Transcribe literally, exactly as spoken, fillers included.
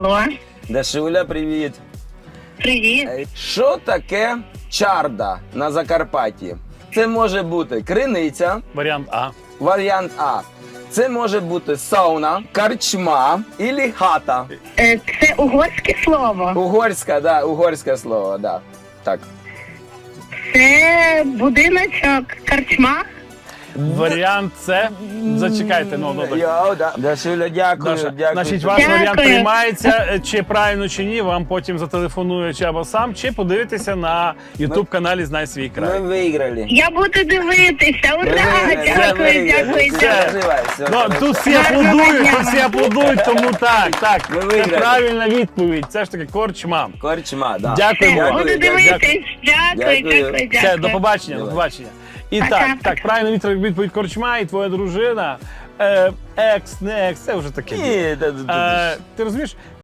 Алло, Дашуля, привіт. привіт. Е, Що таке чарда на Закарпатті? Це може бути криниця, Варіант А. варіант А. Це може бути сауна, карчма і хата. Е, Це угорське слово. Угорська, да, угорське слово, да. Так. Це будиночок, карчма. Варіант С. Зачекайте, ну, ну, так. Йоу, да. Дашуля, дякую, Даша, дякую. значить, ваш Дякую. варіант приймається, чи правильно, чи ні, вам потім зателефонує чи або сам, чи подивитися на ютуб-каналі «Знай свій Ми край». виграли. Я буду дивитися. Ми Ура! виграли, все, Дякую, виграли. дякую, Все, дякую. переживай, все, Ну, хорошо. тут всі Гарного аплодують, дня. тут всі аплодують, тому так, так. Ми Це виграли. правильна відповідь, це ж таки корчма. Корчма, да. Дякуємо. Дякую, Буду дякую. дивитись. Дякую, Дякую. дякую, Все, дякую. до побачення, до Давай. побачення. І Пока, так, пока. так, правильна відповідь відповідь корчма, і твоя дружина, е, екс, не екс, це вже таке. Ні, та- та- та- Е, ти розумієш,